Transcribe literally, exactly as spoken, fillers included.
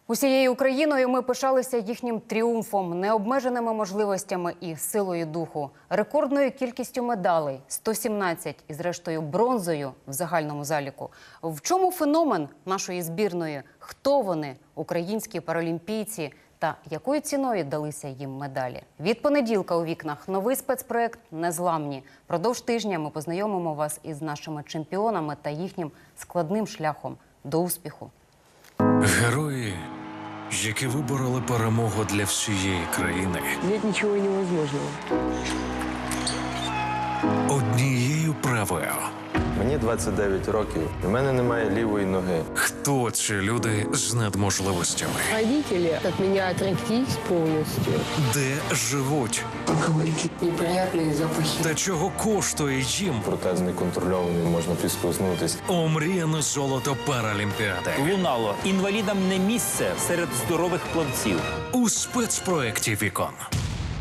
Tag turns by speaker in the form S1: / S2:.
S1: Усією Україною ми пишалися їхнім тріумфом, необмеженими можливостями і силою духу, рекордною кількістю медалей – сто сімнадцять, і зрештою бронзою в загальному заліку. В чому феномен нашої збірної? Хто вони, українські паралімпійці, та якою ціною далися їм медалі? Від понеділка у вікнах новий спецпроект «Незламні». Продовж тижня ми познайомимо вас із нашими чемпіонами та їхнім складним шляхом до успіху.
S2: Герої, які вибороли перемогу для всієї країни.
S3: Нет ничего невозможного.
S2: Однією правою.
S4: Мені двадцять дев'ять років, і в мене немає лівої ноги.
S2: Хто ці люди з надможливостями?
S3: Родители от меня отреклись полностью.
S2: Де живуть?
S3: Алкоголики. Неприятные запахи.
S2: Та чого коштує їм
S4: Протез неконтрольований, можна підскоснутись.
S2: омріяне золото Паралімпіади?
S5: Лунало. Інвалідам не місце серед здорових плавців.
S2: У спецпроекті «Вікон».